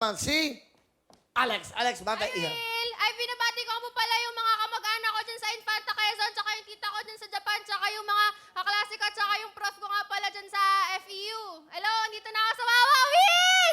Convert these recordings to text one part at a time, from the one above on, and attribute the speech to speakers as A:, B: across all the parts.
A: naman si Alex. Alex, bakit?
B: Will, ay binabati ko po pala yung mga kamag-anak ko dyan sa Infanta Quezon, tsaka yung tita ko dyan sa Japan, tsaka yung mga kaklase ko, tsaka yung prof ko nga pala dyan sa FEU. Hello, andito na ako sa Wawa, Will!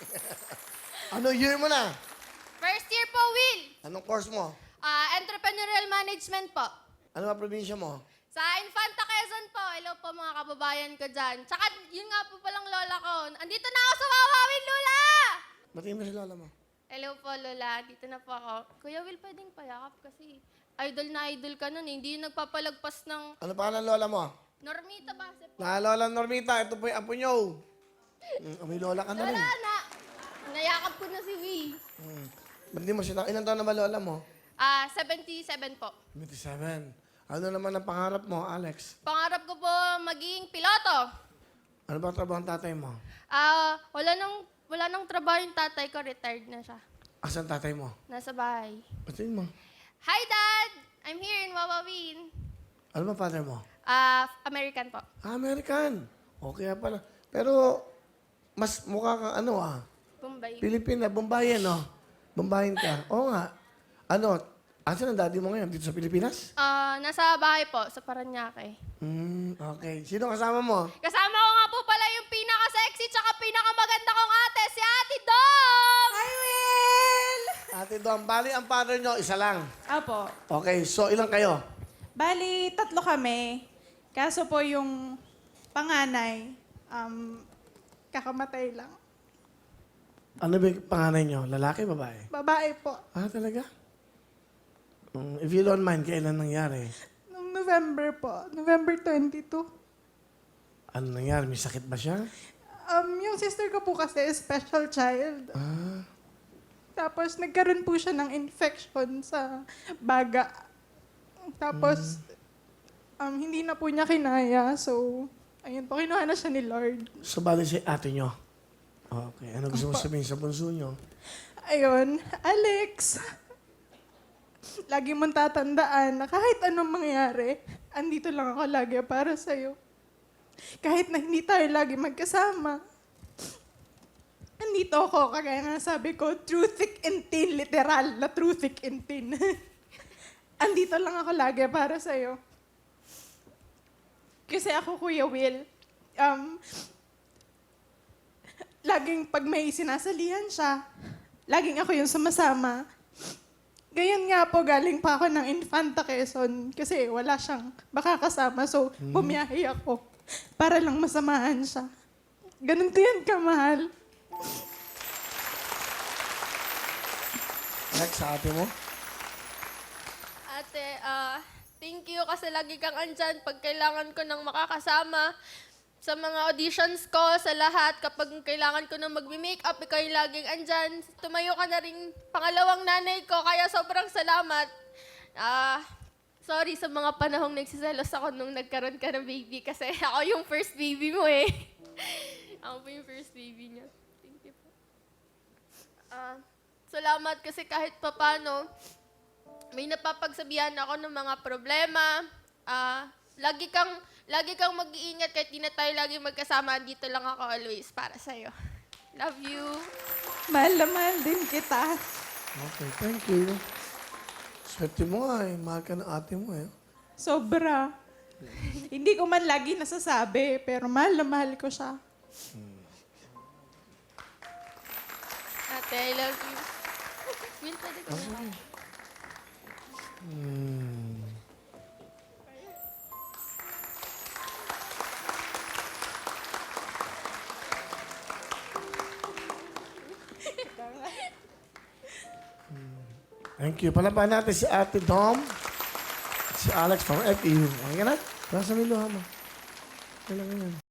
A: Ano year mo na?
B: First year po, Will.
A: Anong course mo?
B: Entrepreneurial Management po.
A: Ano ba probinsya mo?
B: Sa Infanta Quezon po. Hello po mga kababayan ko dyan. Tsaka yun nga po palang lola ko. Andito na ako sa Wawa, Will, Lola!
A: Batiin mo si lola mo.
B: Hello po, Lola. Dito na po ako. Kuya Will, pwedeng payakap kasi idol na idol ka nun eh. Hindi yung nagpapalagpas ng
A: Ano pa ng lola mo?
B: Normita Base po.
A: Lola Normita, ito po yung apo nyo. May lola ka na rin.
B: Lola na! Nayakap ko na si Will.
A: Ba't di mo siya? Ilan taon na ba lola mo?
B: 77 po.
A: 27. Ano naman ang pangarap mo, Alex?
B: Pangarap ko po maging piloto.
A: Ano ba ang trabaho ng tatay mo?
B: Wala nang trabaho yung tatay ko. Retired na siya.
A: Asan tatay mo?
B: Nasa bahay.
A: Batiin mo.
B: Hi, Dad! I'm here in Wawawin.
A: Ano ba father mo?
B: American po.
A: American. Okay pala. Pero, mas mukha kang ano
B: Bombay.
A: Pilipina, Bombayan, no? Bombayan ka. Oo nga. Ano, asan ang daddy mo ngayon? Dito sa Pilipinas?
B: Nasa bahay po, sa Paranaque.
A: Okay. Sino kasama mo?
B: Kasama ko nga po pala yung pinaka-sexy tsaka pinakamaganda kong ate, si Ate Dom!
C: Hi, Will!
A: Ate Dom, bali ang father nyo, isa lang.
C: Apo.
A: Okay, so ilang kayo?
C: Bali, 3 kami. Kaso po yung panganay, kakamatay lang.
A: Ano ba yung panganay nyo? Lalaki, babae?
C: Babae po.
A: Talaga? If you don't mind, kailan nangyari?
C: Noong November po. November 22.
A: Ano nangyari? May sakit ba siya?
C: Yung sister ko po kasi is special child. Tapos nagkaroon po siya ng infection sa baga. Tapos, hindi na po niya kinaya. So, ayun po, kinuha na siya ni Lord.
A: So, bali si ate nyo? Okay. Ano gusto mo sabihin sa bunso nyo?
C: Ayun, Alex, lagi mong tatandaan na kahit anong mangyari, andito lang ako lagi para sa'yo. Kahit na hindi tayo lagi magkasama, andito ako, kagaya nga sabi ko, through thick and thin, literal na through thick and thin. Andito lang ako lagi para sa'yo. Kasi ako, Kuya Will, laging pag may sinasalihan siya, laging ako yung sumasama. Gayon nga po, galing pa ako ng Infanta Quezon kasi wala siyang makakasama. So, bumiyahe ako para lang masamahan siya. Ganun ko yan kamahal.
A: Alex, sa ate mo?
B: Ate, thank you kasi lagi kang andyan pag kailangan ko ng makakasama. Sa mga auditions ko, sa lahat, kapag kailangan ko na mag-makeup, ikaw yung laging andyan. Tumayo ka na rin pangalawang nanay ko, kaya sobrang salamat. Sorry sa mga panahong nagsiselos ako nung nagkaroon ka ng baby kasi ako yung first baby mo eh. Ako po yung first baby niya. Thank you po. Salamat kasi kahit papano, may napapagsabihan ako ng mga problema. Lagi kang mag-iingat kahit di na tayo lagi magkasama. Dito lang ako always para sa'yo. Love you.
C: Mahal na mahal din kita.
A: Okay, thank you. Swerte mo nga eh. Mahal ka ng ate mo eh.
C: Sobra. Hindi ko man lagi nasasabi, pero mahal na mahal ko siya.
B: Ate, I love you. Will, pwede ko na.
A: Thank you. Palaban natin si Ate Dom at si Alex from FEU. Okay ka na? Nasa may luha mo. Kailangan yan.